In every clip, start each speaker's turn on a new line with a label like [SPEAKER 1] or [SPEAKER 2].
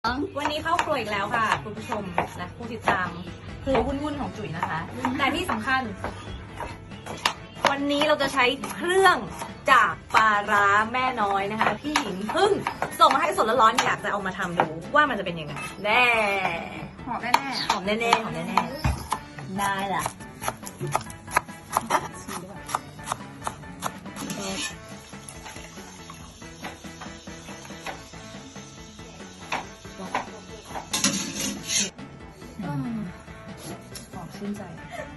[SPEAKER 1] วันนี้เข้าครัวอีกแล้วค่ะคุณผู้ชมและผู้ติดตามครัววุ่นๆของจุ๋ยนะคะ แต่ที่สำคัญ วันนี้เราจะใช้เครื่องจากปลาร้าแม่น้อยนะคะพี่หญิงเพิ่งส่งมาให้สดร้อนๆอยากจะเอามาทำดูว่ามันจะเป็นยังไงแน่หอมแน่ๆหอมแน่ๆหอมแน่ๆได้ล่ะชื่นใจ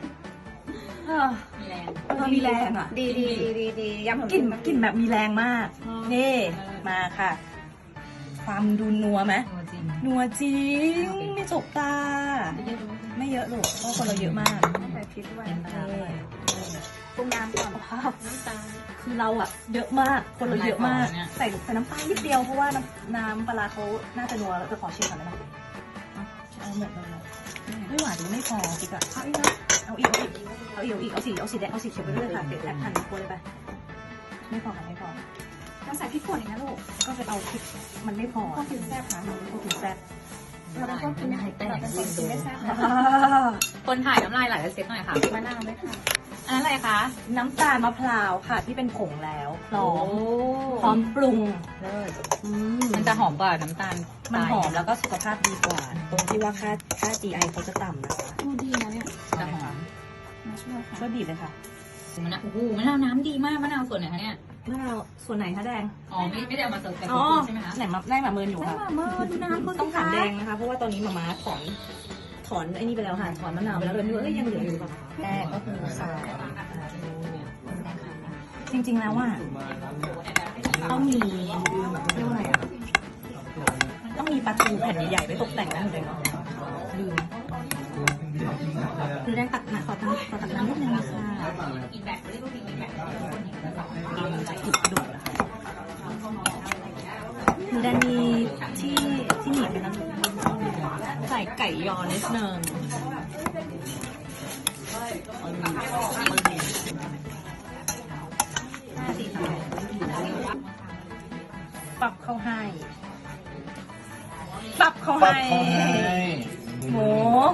[SPEAKER 1] มีแรงมีแรงอ่ะดียำกลิ่นแบบมีแรงมากนี่มาค่ะความดูนัวไหมนัวจริงไม่จกตาไม่เยอะหรอกเพราะคนเราเยอะมากใส่พริกด้วยปรุงน้ำก่อนคือเราอ่ะเยอะมากคนเราเยอะมากใส่น้ำปลานิดเดียวเพราะว่าน้ำปลาเขาน่าจะนัวแล้วจะขอชิมก่อนได้ไหมเอาหมดเลยไม่หวานไม่พอจริงอ่ะเอาอีกเอาสีแดงเอาสีเขียวไปด้วยค่ะเดี๋ยวแอบหั่นครัวเลยไปไม่พอค่ะไม่พอต้องใส่พริกป่นอีกนะลูกก็ไปเอาพริกมันไม่พอก็กินแซ่บนะก็กินแซ่บเราเป็นคนกินแต่เราเป็นคนกินไม่แซ่บนะคนถ่ายน้ำลายไหลแล้วเซ็ตหน่อยค่ะมะนาวไหมคะอันนั้นอะไรคะน้ำตาลมะพร้าวค่ะที่เป็นผงแล้วพร้อมปรุงเลยมันจะหอมกว่าน้ำตาลมันหอมแล้วก็สุขภาพดีกว่าตรงที่ว่าค่า GI เขาจะต่ำนะคะดีนะเนี่ยจะหอมช่วยบีบเลยค่ะมะนาวโอ้โหมะนาวน้ำดีมากมะนาวส่วนไหนคะเนี่ยมะนาวส่วนไหนคะแดงอ๋อไม่ได้เอามาเสิร์ฟแต่ใช่ไหมคะไหนมาได้มาเมินอยู่ค่ะดูน้ำต้องถามแดงนะคะเพราะว่าตอนนี้มาม่าถอนไอ้นี่ไปแล้วค่ะถอนมะนาวไปแล้วเลยไม่รู้ยังเหลืออยู่ป่ะแรกก็คือใส่จริงๆแล้วว่าต้องมีเรียกว่าอะไรอ่ะต้องมีปลาทูแผ่นใหญ่ๆไว้ตกแต่งนะคุณแดงลืมคุณแดงตักนะขอตักน้ำนิดนึงค่ะอีกแบบไม่ได้ก็มีอีกแบบจุดดุนะคะคุณแดงมีที่หนีบนะใส่ไก่ยอนิดนึงปรับเข้าให้หมู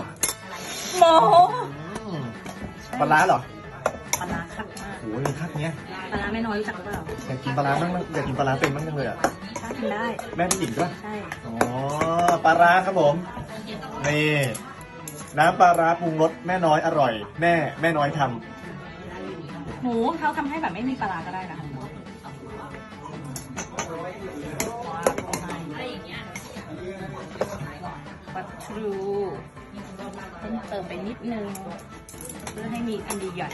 [SPEAKER 2] ปลาร้าเหรอ
[SPEAKER 1] ปลาร้าคักมาก
[SPEAKER 2] โอ้ยคักเนี้ย
[SPEAKER 1] ปลาร้าแม่น้อยรู้จักหรือเปล่า
[SPEAKER 2] อยากกินปลาร้าบ้างอยากกินปลาร้าเป็นบ้างจังเลยอ่ะ
[SPEAKER 1] กินได้
[SPEAKER 2] แม่พี่หญิงด้วย
[SPEAKER 1] ใช่
[SPEAKER 2] อ๋อปลาร้าครับผมนี่น้ำปลาร้าปรุงรสแม่น้อยอร่อยแม่น้อยท
[SPEAKER 1] ำหมูเขาทำให้แบบไม่มีปลาร้าก็ได้นะปลาทูเพิ่มเติมไปนิดนึงเพื่อให้มีอันดีใหญ่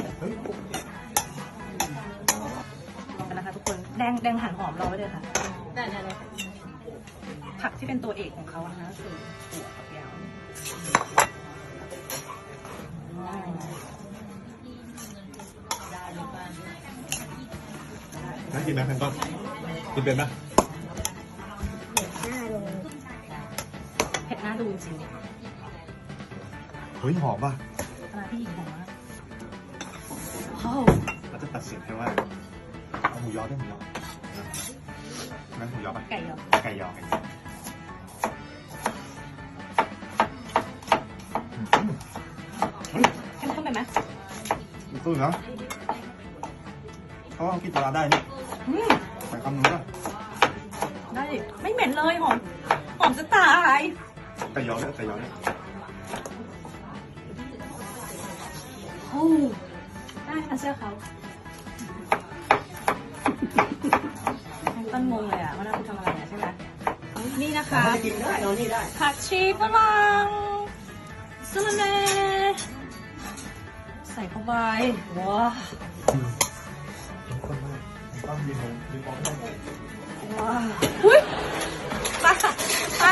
[SPEAKER 1] นะคะทุกคนแดงหั่นหอมรอไว้เลยค่ะได้เลยผักที่เป็นตัวเอกของเขานะคะคือถั่วฝักยาว
[SPEAKER 2] น่ากินไหมแพนต้นกินเป็นไหม
[SPEAKER 1] เผ็ดหน้าดูจริง
[SPEAKER 2] เฮ้ยหอมป่ะ
[SPEAKER 1] ปลาที่หญิงหอมมาก
[SPEAKER 2] เราจะตัดสินแค่ว่าเอาหมูยอได้หมูยอนั่นหมูยอป่ะ
[SPEAKER 1] ไก่ยอเข้มข้นไปไหม
[SPEAKER 2] ตู้เนาะเขากินปลาได้นี่ใส่คำนึงด้วย
[SPEAKER 1] ได้ไม่เหม็นเลยหอมจะตาย
[SPEAKER 2] ไก่ยอเนี่ย
[SPEAKER 1] โอ้ได้ค่ะเชื่อเขาต้นงงเลยอ่ะว่าเราทำอะไรเนี่ยใช่ไหมนี่นะคะ
[SPEAKER 2] กินได้เรานี่ได้
[SPEAKER 1] ผักชีฝรั่งสลัดแหน่ใส่เข้าไปว้า
[SPEAKER 2] ต้องยืนมอง
[SPEAKER 1] ว้าอุ้ยมา